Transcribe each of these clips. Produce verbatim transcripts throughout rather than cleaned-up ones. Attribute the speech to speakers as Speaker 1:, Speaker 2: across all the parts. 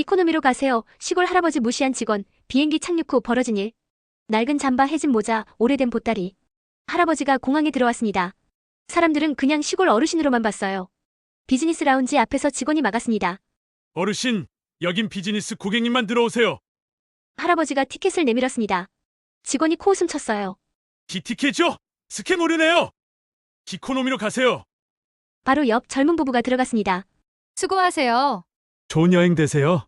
Speaker 1: 이코노미로 가세요. 시골 할아버지 무시한 직원, 비행기 착륙 후 벌어진 일. 낡은 잠바, 해진 모자, 오래된 보따리. 할아버지가 공항에 들어왔습니다. 사람들은 그냥 시골 어르신으로만 봤어요. 비즈니스 라운지 앞에서 직원이 막았습니다.
Speaker 2: 어르신, 여긴 비즈니스 고객님만 들어오세요.
Speaker 1: 할아버지가 티켓을 내밀었습니다. 직원이 코웃음 쳤어요.
Speaker 2: 기티켓이요? 스캠 오류네요. 기코노미로 가세요.
Speaker 1: 바로 옆 젊은 부부가 들어갔습니다.
Speaker 3: 수고하세요.
Speaker 2: 좋은 여행 되세요.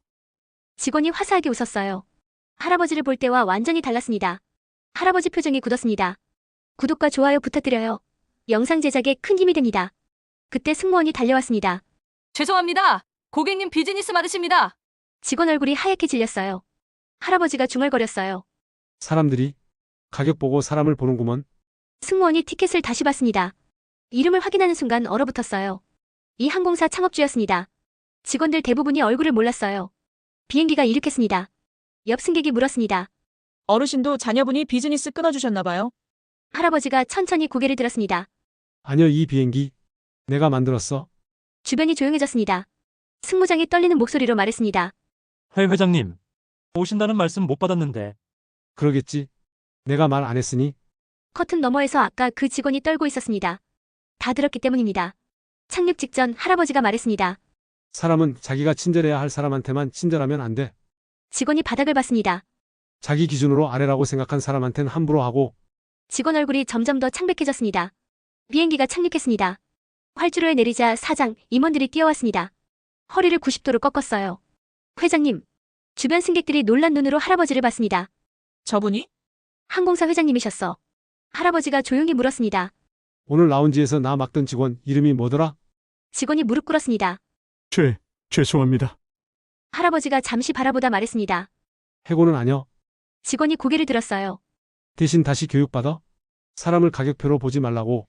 Speaker 1: 직원이 화사하게 웃었어요. 할아버지를 볼 때와 완전히 달랐습니다. 할아버지 표정이 굳었습니다. 구독과 좋아요 부탁드려요. 영상 제작에 큰 힘이 됩니다. 그때 승무원이 달려왔습니다.
Speaker 3: 죄송합니다. 고객님 비즈니스 맞으십니다.
Speaker 1: 직원 얼굴이 하얗게 질렸어요. 할아버지가 중얼거렸어요.
Speaker 4: 사람들이 가격 보고 사람을 보는구먼.
Speaker 1: 승무원이 티켓을 다시 봤습니다. 이름을 확인하는 순간 얼어붙었어요. 이 항공사 창업주였습니다. 직원들 대부분이 얼굴을 몰랐어요. 비행기가 이륙했습니다. 옆 승객이 물었습니다.
Speaker 5: 어르신도 자녀분이 비즈니스 끊어주셨나봐요.
Speaker 1: 할아버지가 천천히 고개를 들었습니다.
Speaker 4: 아니요, 이 비행기 내가 만들었어.
Speaker 1: 주변이 조용해졌습니다. 승무장이 떨리는 목소리로 말했습니다.
Speaker 6: 회 회장님, 오신다는 말씀 못 받았는데.
Speaker 4: 그러겠지. 내가 말 안 했으니.
Speaker 1: 커튼 너머에서 아까 그 직원이 떨고 있었습니다. 다 들었기 때문입니다. 착륙 직전 할아버지가 말했습니다.
Speaker 4: 사람은 자기가 친절해야 할 사람한테만 친절하면 안 돼.
Speaker 1: 직원이 바닥을 봤습니다.
Speaker 4: 자기 기준으로 아래라고 생각한 사람한텐 함부로 하고.
Speaker 1: 직원 얼굴이 점점 더 창백해졌습니다. 비행기가 착륙했습니다. 활주로에 내리자 사장, 임원들이 뛰어왔습니다. 허리를 구십 도로 꺾었어요. 회장님. 주변 승객들이 놀란 눈으로 할아버지를 봤습니다.
Speaker 5: 저분이?
Speaker 1: 항공사 회장님이셨어. 할아버지가 조용히 물었습니다.
Speaker 4: 오늘 라운지에서 나 막던 직원 이름이 뭐더라?
Speaker 1: 직원이 무릎 꿇었습니다.
Speaker 2: 죄, 죄송합니다.
Speaker 1: 할아버지가 잠시 바라보다 말했습니다.
Speaker 4: 해고는 아니여.
Speaker 1: 직원이 고개를 들었어요.
Speaker 4: 대신 다시 교육받아. 사람을 가격표로 보지 말라고.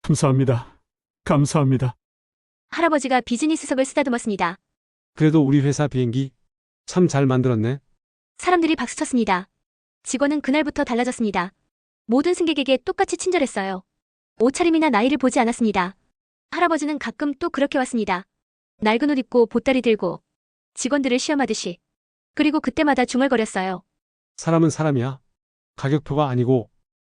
Speaker 2: 감사합니다. 감사합니다.
Speaker 1: 할아버지가 비즈니스석을 쓰다듬었습니다.
Speaker 4: 그래도 우리 회사 비행기 참 잘 만들었네.
Speaker 1: 사람들이 박수쳤습니다. 직원은 그날부터 달라졌습니다. 모든 승객에게 똑같이 친절했어요. 옷차림이나 나이를 보지 않았습니다. 할아버지는 가끔 또 그렇게 왔습니다. 낡은 옷 입고 보따리 들고 직원들을 시험하듯이. 그리고 그때마다 중얼거렸어요.
Speaker 4: 사람은 사람이야. 가격표가 아니고